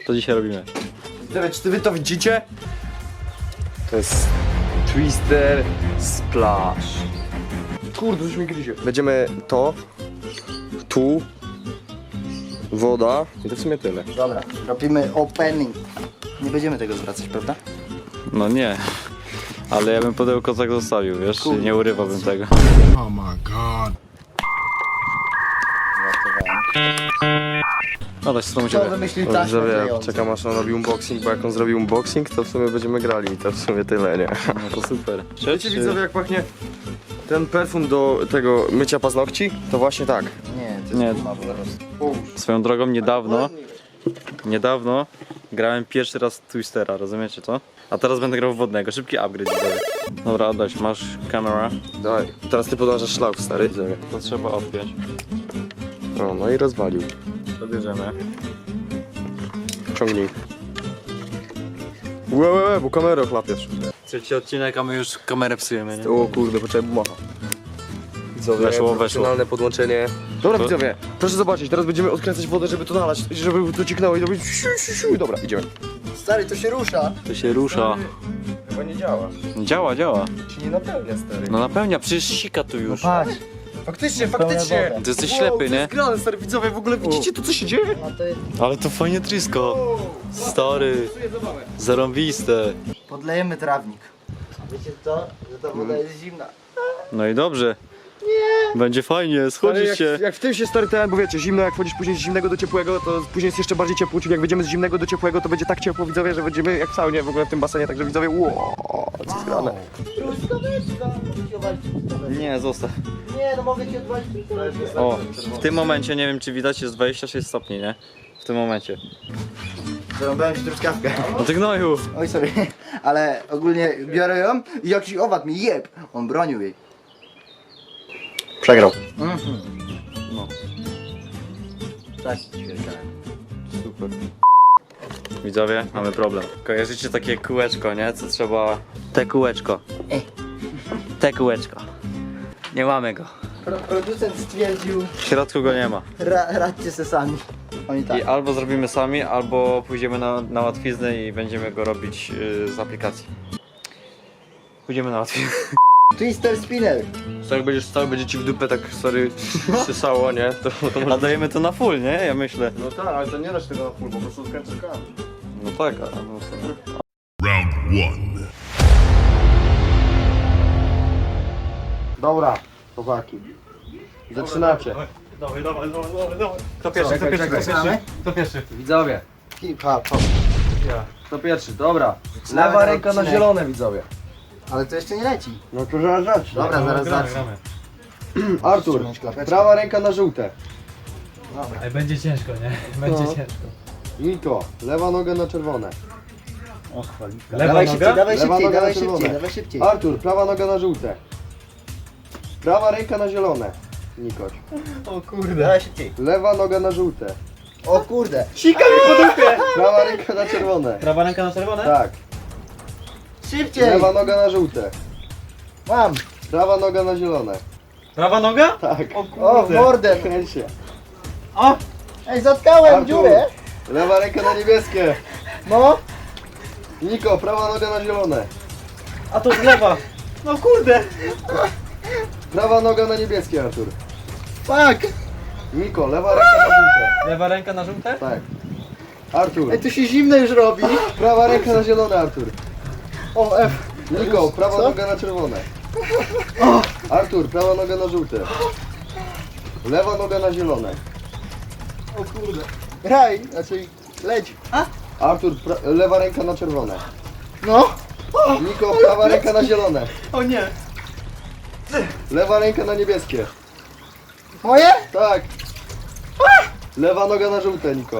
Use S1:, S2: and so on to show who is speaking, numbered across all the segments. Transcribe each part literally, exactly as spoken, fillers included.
S1: Co dzisiaj robimy?
S2: Czy wy to widzicie? To jest Twister Splash. Kurde, coś mi gryzie. Będziemy to, tu, woda i to w sumie tyle.
S3: Dobra, robimy opening. Nie będziemy tego zwracać, prawda?
S1: No nie. Ale ja bym pudełko tak zostawił, wiesz?
S3: Kurde.
S1: Nie urywałbym tego.
S4: Oh my god.
S1: No dać stronę
S3: Kto
S1: ciebie.
S3: wymyślił
S2: Dobrze,
S3: taśmę
S2: wiem,
S3: klejącą?
S2: czekam aż on robi unboxing, bo jak on zrobi unboxing, to w sumie będziemy grali i to w sumie tyle, nie?
S1: No to super.
S2: Wiecie widzowie, jak pachnie ten perfum do tego mycia paznokci? To właśnie tak.
S3: Nie, to jest
S1: Nie.
S3: guma po prostu.
S1: Swoją drogą niedawno, niedawno grałem pierwszy raz Twistera, rozumiecie to? A teraz będę grał w wodnego, szybki upgrade widzowie. Dobra, Adaś, masz kamera.
S2: Daj, teraz ty podążasz szlak, stary. Widzowie.
S1: To trzeba odpiąć.
S2: No, no i rozwalił.
S1: To bierzemy.
S2: Ciągnij. Łe, łe, łe, bo kamerę ochlapiesz.
S1: Trzeci odcinek, a my już kamerę psujemy, nie?
S2: O kurde, poczekaj, macha. Widzowie,
S1: Weszło, weszło.
S2: profesjonalne podłączenie. Dobra
S1: To-
S2: widzowie, proszę zobaczyć, teraz będziemy odkręcać wodę, żeby to nalać, żeby to cieknęło i to będzie siu, siu, siu. Dobra, idziemy.
S3: Stary, to się rusza.
S1: To się rusza.
S2: Chyba nie działa.
S1: Działa, działa.
S2: Ci nie napełnia, stary.
S1: No napełnia, przecież sika tu już.
S3: Patrz.
S2: Faktycznie,
S3: Napełnia
S2: faktycznie.
S3: wodę.
S1: Ty jesteś
S2: Wow,
S1: ślepy,
S2: to
S1: nie?
S2: jest grane, stary, widzowie, w ogóle widzicie to, co się dzieje?
S3: No to jest...
S1: Ale to fajnie trisko. Stary, zarąbiste.
S3: Podlejemy trawnik. Wiecie co? Że ta woda jest zimna.
S1: No i dobrze. Nie. Będzie fajnie,
S2: Stary,
S1: schodzi
S2: jak,
S1: się.
S2: jak w tym się stary ten, bo wiecie, zimno, jak wchodzisz później z zimnego do ciepłego, to później jest jeszcze bardziej ciepło, czyli jak będziemy z zimnego do ciepłego, to będzie tak ciepło, widzowie, że będziemy jak w saunie w ogóle w tym basenie, także widzowie, wow, co jest grane.
S3: Truskaweczka. Mogę ci odwalić truskaweczkę.
S1: Nie, zostaw.
S3: Nie, no mogę ci odwalić truskaweczkę.
S1: O, w tym momencie, nie wiem czy widać, jest dwadzieścia sześć stopni, nie? W tym momencie.
S3: Zarąbałem ci truskawkę.
S1: No ty gnoju.
S3: Oj, sorry. Ale ogólnie biorę ją i jakiś owad mi jeb. On bronił jej.
S2: Przegrał.
S3: Mhm.
S1: No,
S3: Tak, ćwierkałem.
S1: super. Widzowie, mamy problem. Kojarzycie takie kółeczko, nie? Co trzeba... Te kółeczko. Te kółeczko. Nie mamy go.
S3: Pro producent stwierdził,
S1: W środku go nie ma.
S3: ra radźcie se sami. Oni tak.
S1: I albo zrobimy sami, albo pójdziemy na, na łatwiznę i będziemy go robić yy, z aplikacji. Pójdziemy na łatwiznę.
S3: Twister spinner.
S2: Co jak będziesz stał, będzie ci w dupę tak, sorry, sysało, nie? To, to
S1: A dajemy to na full, nie? Ja myślę.
S2: No tak, ale to nie dasz tego na full, po prostu odkręcasz kran.
S1: No tak, a no to...
S4: Round one.
S2: Dobra, chłopaki. Zaczynacie.
S1: Dawaj, dawaj, dawaj, dawaj, dawaj. Kto
S2: pierwszy, kto pierwszy, kto
S3: Zaczynamy?
S1: Kto pierwszy?
S2: Widzowie,
S3: Hip hop.
S1: Ja.
S2: to pierwszy, dobra.
S3: Zaczynamy
S2: Lewa
S3: ten
S2: ręka na
S3: odcinek.
S2: zielone, widzowie.
S3: Ale to jeszcze nie leci.
S2: No to zaraz zacznę.
S3: Dobra, zaraz
S1: gramy,
S3: zacznę.
S1: gramy.
S2: Artur,
S3: Ściągnąć klapeczkę.
S2: prawa ręka na żółte.
S3: Dobra.
S5: Ej, będzie ciężko, nie? Będzie
S2: No.
S5: ciężko.
S2: Niko, lewa noga na czerwone.
S5: O, chwalika.
S3: Dawaj
S5: Lewa
S3: szybciej,
S5: noga?
S3: dawaj
S2: Lewa
S3: szybciej,
S2: noga
S3: dawaj
S2: na czerwone.
S3: szybciej, dawaj szybciej.
S2: Artur, prawa noga na żółte. Prawa ręka na zielone. Nikoć.
S5: O kurde.
S3: Dawaj szybciej.
S2: Lewa noga na żółte.
S3: O kurde.
S5: Sika mi po dupie!
S2: Prawa ręka na czerwone.
S5: Prawa ręka na czerwone?
S2: Tak.
S3: Szybciej.
S2: Lewa noga na żółte.
S3: Mam.
S2: Prawa noga na zielone.
S5: Prawa noga?
S2: Tak.
S5: O
S3: O, w
S5: kurde.
S3: mordę.
S2: Kręć się.
S5: O!
S3: Ej, zatkałem
S2: Artur.
S3: dziurę.
S2: Lewa ręka na niebieskie.
S3: No.
S2: Niko, prawa noga na zielone.
S5: A to z lewa. No kurde.
S2: Prawa noga na niebieskie, Artur.
S3: Fuck.
S2: Niko, lewa ręka na żółte.
S5: Lewa ręka na żółte?
S2: Tak. Artur,
S3: Ej, tu się zimno już robi.
S2: prawa ręka na zielone, Artur.
S3: O, F.
S2: Niko, prawa
S3: Co?
S2: noga na czerwone. Artur, prawa noga na żółte. Lewa noga na zielone.
S3: O kurde. Raj, znaczy leć.
S2: Artur, pra- lewa ręka na czerwone.
S3: No.
S2: Niko, prawa ręka na zielone.
S5: O nie.
S2: Lewa ręka na niebieskie.
S3: Moje?
S2: Tak. Lewa noga na żółte, Niko.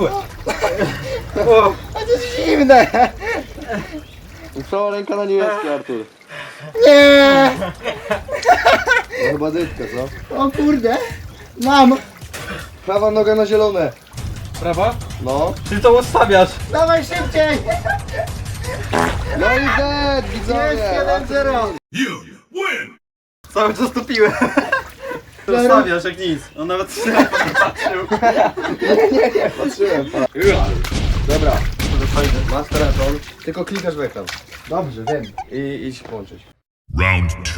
S3: A to jest zimne.
S2: I prawa ręka na niebieskie, Artur.
S3: Nie.
S2: No chyba dytka, co?
S3: O kurde. Mam.
S2: Prawa noga na zielone.
S5: Prawa?
S2: No.
S5: Ty to ustawiasz.
S3: Dawaj szybciej.
S2: No i dead,
S3: Jest
S2: widzowie.
S3: jeden zero.
S4: You win.
S5: Cały czas topiłem. To ustawiasz jak nic. On nawet się nie patrzył.
S2: Patrzyłem. Dobra, masz telefon, tylko klikasz w ekran.
S3: Dobrze, wiem.
S2: I idź połączyć.
S4: Round two.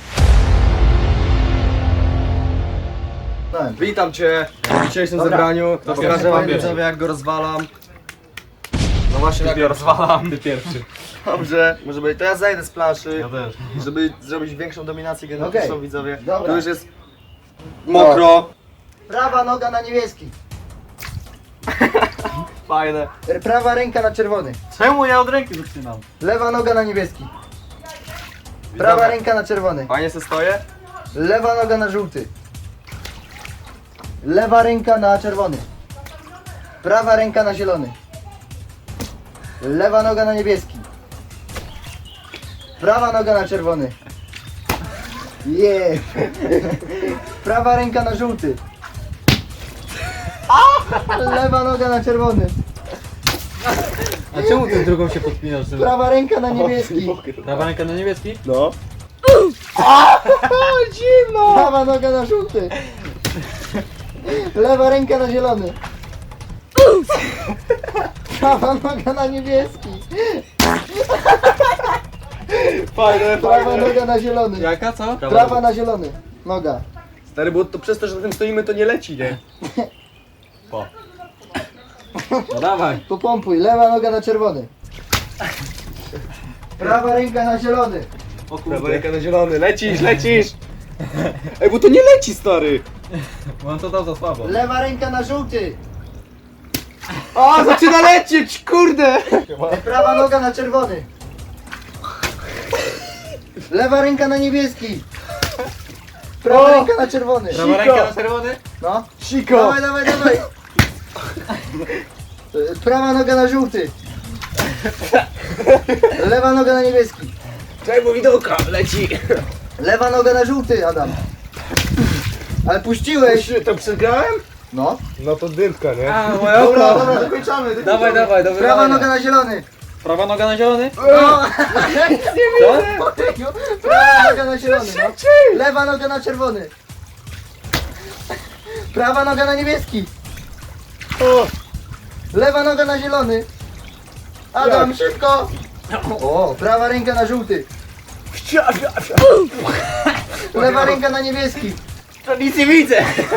S3: No,
S2: Witam cię w dzisiejszym
S3: Dobra.
S2: zebraniu. To
S3: Dobra.
S2: pokażę wam
S3: Dobra.
S2: widzowie jak go rozwalam. No właśnie jak go rozwalam. Ty pierwszy. Dobrze, może być. To ja zejdę z planszy,
S5: Ja też.
S2: żeby zrobić większą dominację genetyczną
S3: Okej.
S2: widzowie.
S3: Dobra.
S2: Tu już jest mokro.
S3: prawa noga na niebieski.
S2: Fajne.
S3: Prawa ręka na czerwony.
S5: Czemu ja od ręki zaczynam?
S3: Lewa noga na niebieski. Prawa
S2: Widzowie.
S3: ręka na czerwony.
S2: Fajnie se stoję.
S3: Lewa noga na żółty. Lewa ręka na czerwony. Prawa ręka na zielony. Lewa noga na niebieski. Prawa noga na czerwony. Yeah. Prawa ręka na żółty. Lewa noga na czerwony.
S5: A czemu ty drugą się podpinasz?
S3: Prawa ręka na niebieski.
S5: Prawa ręka na niebieski?
S2: No.
S3: Zimno! Prawa noga na żółty. Lewa ręka na zielony. Prawa noga na niebieski.
S2: Fajne,
S3: Prawa
S2: fajne.
S3: noga na zielony.
S5: Jaka, co?
S3: Prawa na zielony. Noga.
S2: Stary, bo to przez to, że na tym stoimy, to nie leci, nie?
S5: No dawaj.
S3: Popompuj. Lewa noga na czerwony. Prawa ręka na zielony.
S5: O
S2: Prawa
S5: kurde.
S2: ręka na zielony. Lecisz, lecisz! Ej, bo to nie leci, stary!
S5: Bo on to dał za słabo.
S3: Lewa ręka na żółty.
S2: O, zaczyna lecieć, kurde!
S3: Prawa noga na czerwony. Lewa ręka na niebieski. Prawa
S2: O!
S3: ręka na czerwony.
S5: Prawa ręka na czerwony?
S3: No.
S2: Siko!
S3: Dawaj, dawaj, dawaj. Prawa noga na żółty. Lewa noga na niebieski.
S2: Czekaj, bo widełka leci!
S3: Lewa noga na żółty, Adam. Ale puściłeś.
S2: To przegrałem?
S3: No.
S2: No to dymka, nie?
S5: A, moja
S3: Dobra, dobra, dokończamy. dokończamy.
S5: Dawaj, dawaj, do
S3: Prawa
S5: wybrania.
S3: noga na zielony.
S5: Prawa noga na zielony?
S3: No.
S5: Co?
S3: Prawa noga na zielony. No. Lewa noga na czerwony. Prawa noga na niebieski.
S2: O,
S3: Lewa noga na zielony. Adam, szybko. O, prawa ręka na żółty. Lewa ręka na niebieski.
S2: to nic nie widzę!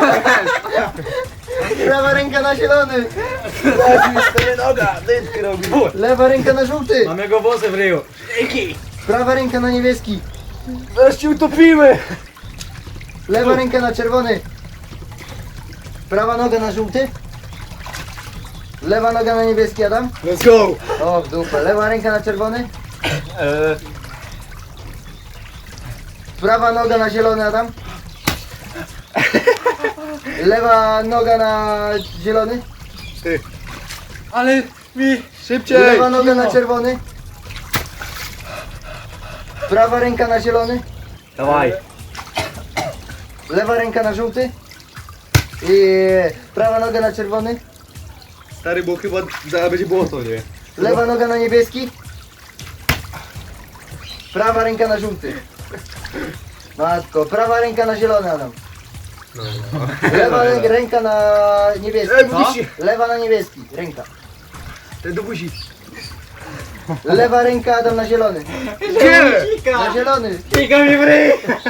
S3: Prawa ręka na zielony.
S2: Stary noga, dymkę robi.
S3: Lewa ręka na żółty.
S5: Mam jego włosy w ryju.
S3: Prawa ręka na niebieski.
S2: Zaraz się utopimy!
S3: Lewa ręka na czerwony. Prawa noga na żółty. Lewa noga na niebieski, Adam.
S2: Let's go!
S3: O, w dupę. Lewa ręka na czerwony.
S2: Eee,
S3: Prawa noga na zielony, Adam. Lewa noga na zielony.
S2: ty,
S5: Ale mi...
S2: szybciej!
S3: Lewa noga na czerwony. Prawa ręka na zielony.
S2: Dawaj!
S3: Lewa ręka na żółty. I prawa noga na czerwony.
S2: Stary, bo chyba zaraz będzie błoto, nie?
S3: Lewa noga na niebieski. Prawa ręka na żółty. Matko, prawa ręka na zielony, Adam. Lewa rę- ręka na niebieski.
S2: Ej, bo się...
S3: Lewa na niebieski, ręka.
S2: Ten do buzi.
S3: Lewa ręka, Adam, na zielony.
S2: Gdzie?
S3: Na zielony.
S5: Kika mi w ryj!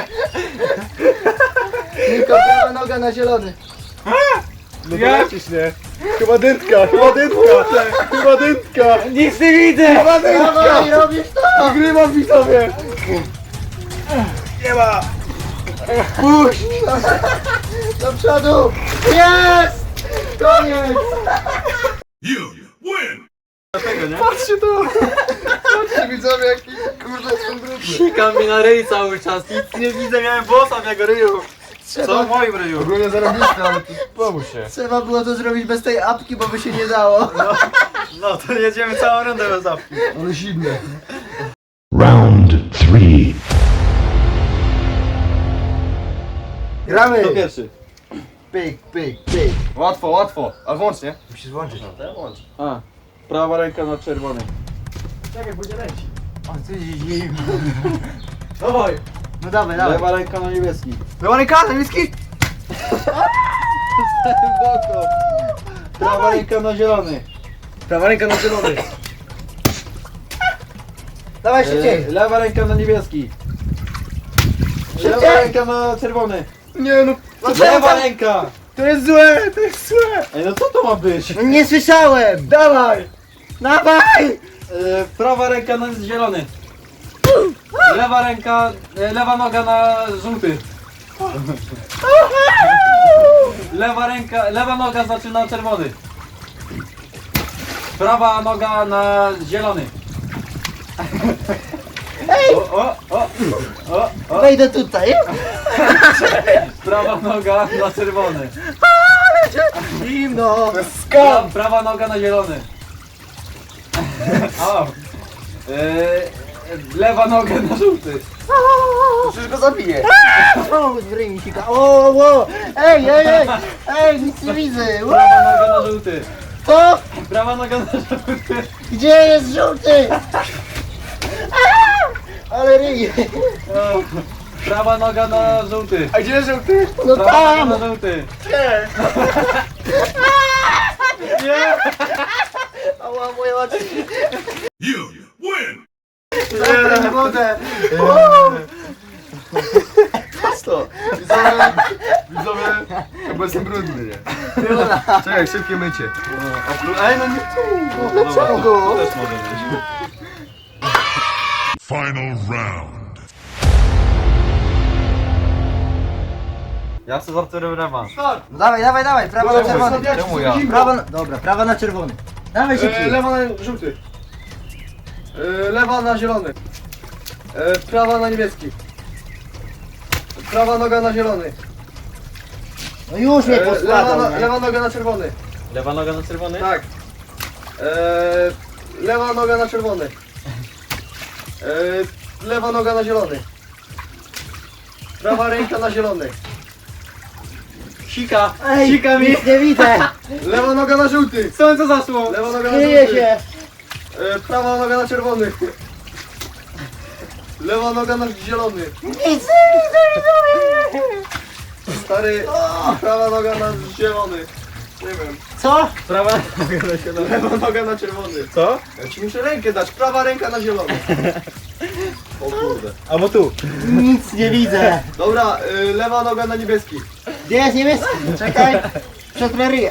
S3: Niko, prawa noga na zielony.
S2: No to lecisz, nie? Chyba dymka, chyba dymka! Chyba dymka!
S5: Nic nie widzę!
S2: Chyba dymka!
S3: Dawaj, robisz to!
S2: Wygrywam, widzowie! Nie ma!
S3: Puść! Do przodu! Jest! Koniec!
S4: You win.
S2: Patrzcie to!
S3: Patrzcie, widzowie, jaki kurde są brudny.
S5: Kika mi na ryj cały czas. Nic nie widzę, miałem włosa w jego ryju. Co w
S3: Trzeba,
S5: moim ryju?
S2: Ogólnie zarobiliśmy, ale pomóż się.
S3: trzeba było to zrobić bez tej apki, bo by się nie dało.
S5: No to jedziemy całą rundę bez apki.
S2: Ale zimne.
S4: Round three.
S3: Gramy!
S2: Kto pierwszy?
S3: Pyk, pyk, pyk.
S2: Łatwo, łatwo. A włącz, nie?
S3: Musisz włączyć.
S2: A. Prawa ręka na czerwony.
S3: Czekaj, będzie leci. O, co się dzieje?
S5: Dawaj!
S3: No dawaj, dawaj.
S2: Lewa ręka na niebieski.
S3: Lewa ręka, niebieski!
S2: Prawa ręka na zielony.
S5: Prawa ręka na zielony.
S3: Dawaj szybciej.
S5: Lewa ręka na niebieski.
S3: Szybciej.
S5: Lewa ręka na czerwony.
S2: Nie no,
S5: Lewa ręka.
S2: to jest złe, to jest złe.
S5: Ej, no co to ma być?
S3: No nie słyszałem.
S2: Dawaj.
S3: Dawaj.
S5: E, prawa ręka na zielony. Lewa ręka, e, lewa noga na żółty. Lewa ręka, lewa noga znaczy na czerwony. Prawa noga na zielony. O, o, o, o, o.
S3: Wejdę tutaj.
S5: Prawa noga na czerwony.
S3: Zimno.
S5: Pra, prawa noga na zielony. O. E, lewa noga na żółty.
S2: Przecież go zabiję.
S3: O, wryj mi sika. O, o. Ej, ej, ej. Ej, nic nie widzę.
S5: Prawa noga na żółty.
S3: To?
S5: Prawa noga na żółty.
S3: Gdzie jest żółty? Ale ryj.
S5: O. Prawa noga na żółty.
S2: A gdzie jest żółty?
S3: No
S5: Prawa
S3: tam.
S5: noga na żółty.
S2: Nie.
S5: Nie.
S3: Ała, moje oczy.
S4: You win!
S3: Zabrać wodę.
S2: To. Widzowie, widzowie, chyba jestem brudny, nie? Czekaj, szybkie mycie. Ej, no nie tu.
S3: Dlaczego?
S4: Final round.
S5: Ja chcę z Arturem rewanż.
S3: No dawaj, dawaj, dawaj. Prawa na czerwony.
S2: Czemu ja?
S3: Prawa na... Dobra, prawa na czerwony. Dawaj
S2: E,
S3: szybciej.
S2: lewa na żółty. E, lewa na zielony. E, prawa na niebieski. Prawa noga na zielony.
S3: No już mnie
S2: E, lewa,
S3: poskładał,
S2: no,
S3: nie?
S2: lewa noga na czerwony.
S5: Lewa noga na czerwony?
S2: Tak. E, lewa noga na czerwony. E, lewa noga na zielony. Prawa ręka na zielony.
S5: Sika.
S3: Ej,
S5: Sika mi.
S3: nic nie widzę.
S2: Lewa noga na żółty.
S5: Co to zaszło?
S2: Lewa noga na
S3: Kryje
S2: żółty.
S3: się.
S2: E, prawa noga na czerwony. Lewa noga na zielony.
S3: Nic nie widzę, widzowie.
S2: Stary, prawa noga na zielony. Nie wiem.
S3: Co?
S5: Prawa noga na zielony.
S2: Lewa noga na czerwony.
S5: Co?
S2: Ja ci muszę rękę dać. Prawa ręka na zielony. O kurde.
S5: Albo tu.
S3: Nic nie widzę.
S2: Dobra, y, lewa noga na niebieski.
S3: Gdzie jest niebieski? Czekaj. Przetrę ryja.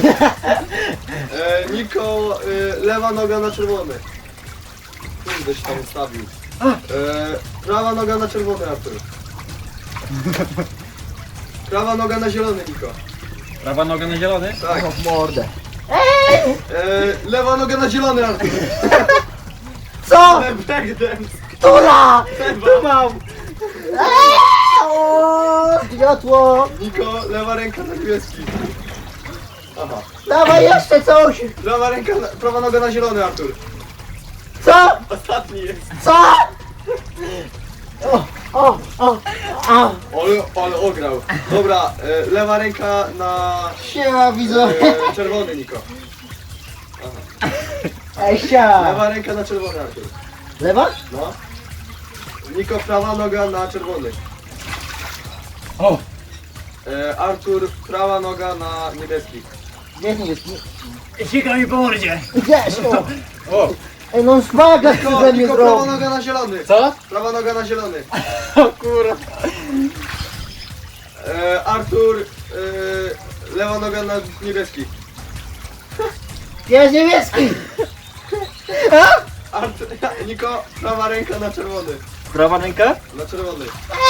S2: E, Niko, y, lewa noga na czerwony. Kurde się tam ustawił. E, prawa noga na czerwony, Artur. Prawa noga na zielony, Niko.
S5: Prawa noga na zielony?
S2: Tak.
S3: O, mordę.
S2: E, lewa noga na zielony, Artur.
S3: Co?
S2: Ale breakdance.
S3: Która?
S2: Tu mam.
S3: O, Światło.
S2: Niko, lewa ręka na niebieski. Aha.
S3: Dawaj jeszcze coś.
S2: Prawa ręka, na, prawa noga na zielony, Artur.
S3: Co?
S2: Ostatni jest.
S3: Co? O, o, o, o.
S2: Ale, ale ograł. Dobra, e, lewa ręka na
S3: Siema, widzowie.
S2: e, czerwony, Niko.
S3: Ej, sia.
S2: Lewa ręka na czerwony, Artur.
S3: Lewa?
S2: No. Niko, prawa noga na czerwony.
S5: O!
S2: E, Artur, prawa noga na niebieski.
S3: Gdzie jest niebieski?
S5: Sika mi po mordzie.
S3: Gdzieś, o.
S5: O!
S3: Ej, no szpagat chce
S2: Niko,
S3: ze mnie
S2: Niko, prawa
S3: zrobić.
S2: noga na zielony.
S5: Co?
S2: Prawa noga na zielony.
S5: O kurwa.
S2: E, Artur, e, lewa noga na niebieski.
S3: Gdzie jest niebieski?
S2: Artur, Niko, prawa ręka na czerwony.
S5: Prawa ręka?
S2: Na czerwony.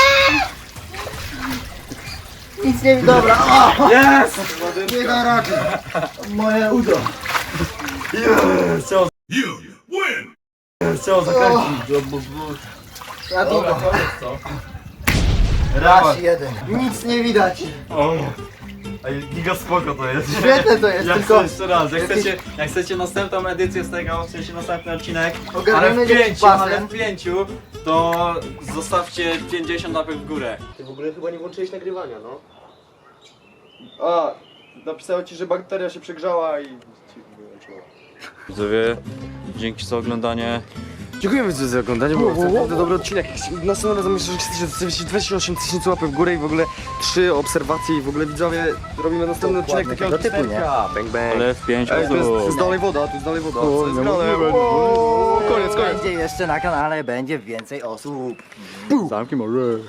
S3: Nic nie widzę. Dobra, o.
S5: Jest!
S3: Nie da rady. Moje udo.
S5: Chciał,
S4: You win!
S5: chciał zakręcić.
S3: Ja długo.
S5: Rewanż.
S3: Raz jeden. Nic nie widać.
S5: O. Ej, giga spoko to jest.
S3: Świetne to jest,
S5: Ja
S3: tylko-
S5: chcę jeszcze raz, jak
S3: jakieś-
S5: chcecie, jak chcecie następną edycję z tego, w sensie następny odcinek, ale
S3: Ogarniemy
S5: w
S3: jakiś
S5: pięciu,
S3: basen.
S5: ale w pięciu, to zostawcie pięćdziesiąt łapek w górę.
S2: Ty w ogóle chyba nie włączyłeś nagrywania, no. A, napisało ci, że bakteria się przegrzała i ci wyłączyła.
S1: Widzowie, dzięki za oglądanie.
S2: Dziękujemy za oglądanie, bo to naprawdę dobry odcinek. Następnym razem myślę, że chcecie dwadzieścia osiem tysięcy łapek w górę i w ogóle trzy obserwacje i w ogóle widzowie robimy następny odcinek takiego
S3: tego typu, nie?
S2: Bang bang.
S1: Ale w pięć
S2: Ej, to jest, to jest
S1: osób.
S2: dalej woda, to jest dalej woda. Co jest grane? O, Koniec, koniec.
S3: Będzie jeszcze na kanale, będzie więcej osób.
S1: Zamki może.